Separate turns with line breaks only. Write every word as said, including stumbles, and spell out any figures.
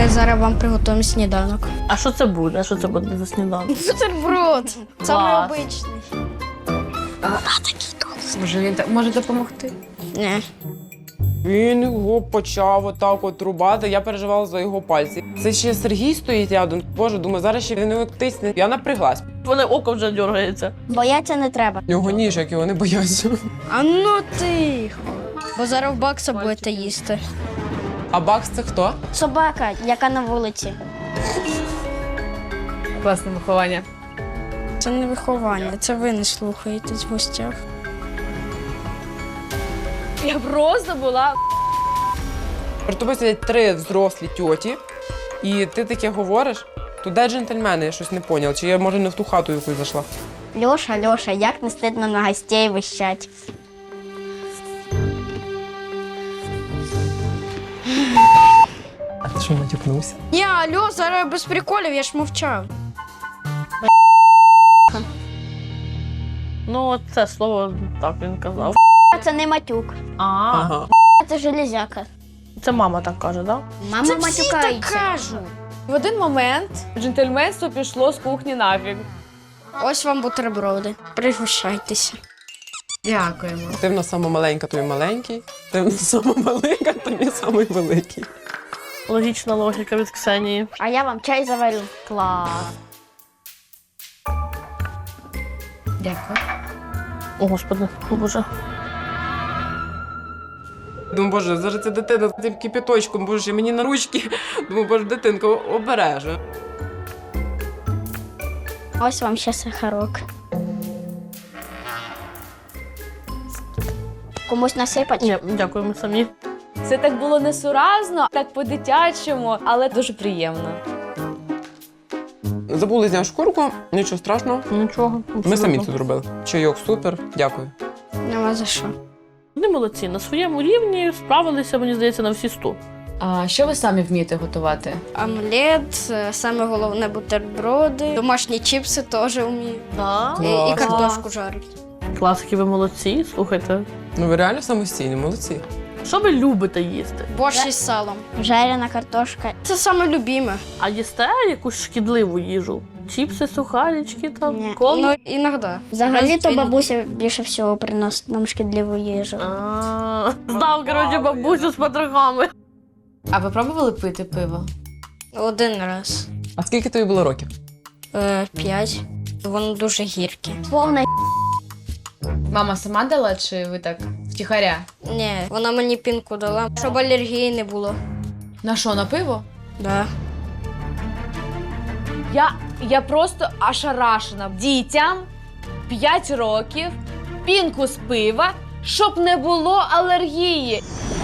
Ми зараз вам приготуємо сніданок.
А що це буде? Що це буде за сніданок?
Бутерброд. Саме обичний.
Може, він так може допомогти?
Ні.
Він його почав отак от рубати, я переживала за його пальці. Це ще Сергій стоїть рядом. Боже, думаю, зараз ще він його тисне. Я напряглась.
Вони око вже дергається.
Бояться не треба.
Його ніж, як його не бояться.
А ну тихо. Бо зараз в бакса будете їсти.
А Бакс це хто?
Собака, яка на вулиці.
Класне виховання.
Це не виховання, це ви не слухаєтесь в гостях.
Я просто була.
Перед тобою сидять три взрослі тьоті, і ти таке говориш, то де джентльмени, я щось не поняв, чи я, може, не в ту хату якусь зайшла.
Льоша, Льоша, як не стидно на гостей вищать.
А ти що, натякнувся?
Ні, алло, зараз без приколів, я ж мовчав.
Ну, от це слово так він казав.
Це не матюк,
А,
Ага.
це железяка.
це мама так каже, так?
Мама
Це
матюкається.
В один момент джентльменство пішло з кухні нафіг.
Ось вам бутерброди. Пригощайтеся.
Дякуємо.
Ти в нас сама маленька, то й маленький. Ти в нас сама маленька, то й самий великий.
Логічна логіка від Ксенії.
А я вам чай заварю.
Клас.
Дякую.
О, Господи, о Боже.
Думаю, боже, зараз ця дитина з цим кипяточком, боже, мені на ручки. Думаю, боже, дитинка обереже.
Ось вам ще сахарок. Комусь насипать?
Ні, дякуємо самі.
Це так було несуразно, так по-дитячому, але дуже приємно.
Забули зняти шкурку, нічого страшного.
Нічого.
Ми самі це зробили. Чайок супер, дякую.
Нема за що.
Вони молодці. На своєму рівні справилися, мені здається, на всі сто.
А що ви самі вмієте готувати?
Омлет, е, саме головне бутерброди, домашні чіпси теж вмію.
Да?
І, і
Клас.
картошку жарить.
Класики, ви молодці, слухайте.
Ну ви реально самостійні, молодці.
Що ви любите їсти?
Борщ із салом. Жарена картошка. Це саме любиме.
А їсте якусь шкідливу їжу? Чіпси, сухарички там,
Ні.
колу?
Ну, іноді. Взагалі-то бабуся більше всього приносить нам шкідливу їжу.
А, Здав, коротше, бабусю з потрохами.
А ви пробували пити пиво?
Один раз.
А скільки тобі було років?
Е, п'ять. Воно дуже гірке. Повна
Мама сама дала, чи ви так втіхаря?
ні, вона мені пінку дала, щоб алергії не було.
На що, на пиво?
Да.
Я, я просто ошарашена. Дітям п'ять років, пінку з пива, щоб не було алергії.